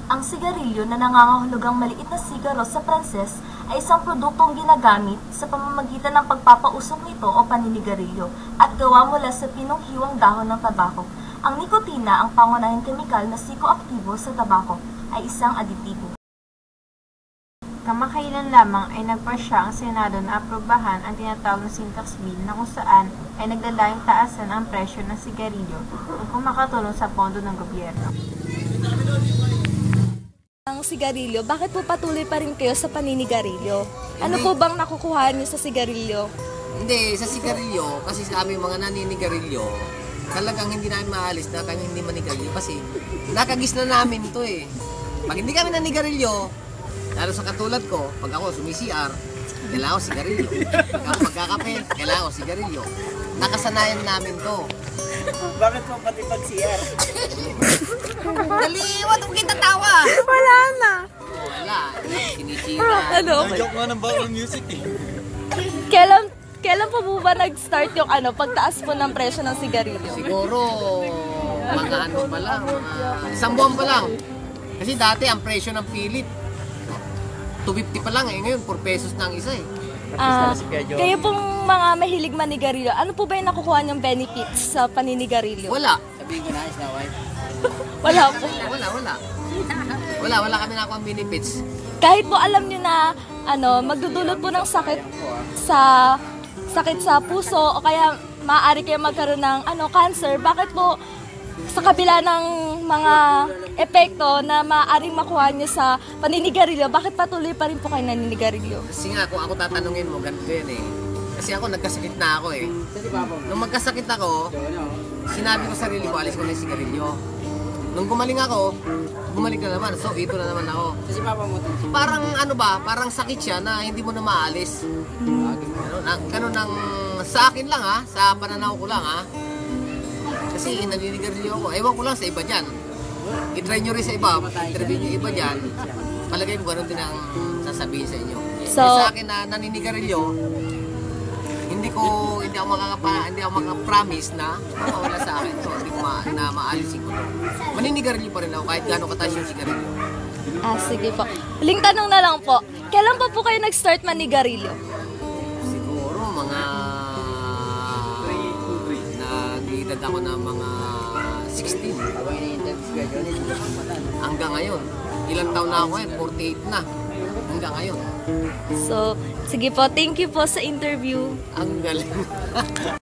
Ang sigarilyo na nangangahulugang maliit na sigaro sa Pranses ay isang produktong ginagamit sa pamamagitan ng pagpapausok nito o paninigarilyo at gawa mula sa pinunghiwang dahon ng tabako. Ang nikotina, ang pangunahing kemikal na psikoaktibo sa tabako, ay isang aditibo. Kamakailan lamang ay nagpasya ang Senado na aprobahan ang tinatawag na Sin Tax Bill na kung saan ay naglalayong taasan ang presyo ng sigarilyo upang makatulong sa pondo ng gobyerno. Ang sigarilyo, bakit po patuloy pa rin kayo sa paninigarilyo? Ano po bang nakukuha niyo sa sigarilyo? Hindi, sa sigarilyo, kasi sa aming mga naninigarilyo, talagang hindi namin maalis na kami hindi manigarilyo kasi nakagis na namin ito eh. Pag hindi kami nanigarilyo, lalo sa katulad ko, pag ako sumi-CR, kailangan ko sigarilyo. Pag ako magkakape, kailangan ko sigarilyo. Nakasanayan namin to. Bakit mo pati pag-CR? Daliwat, huwag kita tawa! Wala na. Wala, sinisira. Ano? Joke nga ng background music eh. Kailan po ba nag-start yung pagtaas po ng presyo ng sigarilyo? Siguro, mga ano pa lang, mga isang buwan pa lang. Kasi dati ang presyo ng pilit, 250 pa lang eh. Ngayon, 4 pesos na ang isa eh. Kayo pong mga mahilig manigarilyo, ano po ba yung nakukuha niyong benefits sa paninigarilyo? Wala. Sabihin ko na, is na wife. Wala po. Wala kami nakuha ang benefits. Kahit po alam niyo na magdudulot po ng sakit sa puso o kaya maaari kayo magkaroon ng cancer, bakit po sa kabila ng mga epekto na maaaring makuha niyo sa paninigarilyo, bakit patuloy pa rin po kayo naninigarilyo? Kasi nga, kung ako tatanungin mo, ganito yan eh. Kasi ako, nagkasakit na ako eh. Nung magkasakit ako, sinabi ko sa sarili ko, alis ko na yung sigarilyo. Nung gumaling ako, bumalik na naman. So, ito na naman ako. Parang parang sakit siya na hindi mo na maalis. Ganun ang, sa akin lang ha, sa pananaw ko lang ha. Kasi naninigarilyo ako. Ewan ko lang sa iba dyan. I-try nyo rin sa iba. Interview nyo iba dyan. Palagay mo ganun din ang sasabihin sa inyo. So, sa akin na naninigarilyo, hindi ako makaka-promise na mawala sa akin. So, hindi ko maalisin ko. Maninigarilyo pa rin ako kahit gaano kataas yung sigarilyo. Sige po. Huling tanong na lang po. Kailan pa po kayo nag-start manigarilyo? Siguro mga nag-edad ako ng mga 16. Hanggang ngayon. Ilang taon na ako ngayon? 48 na. Hanggang ngayon. So, sige po. Thank you po sa interview. Ang galing.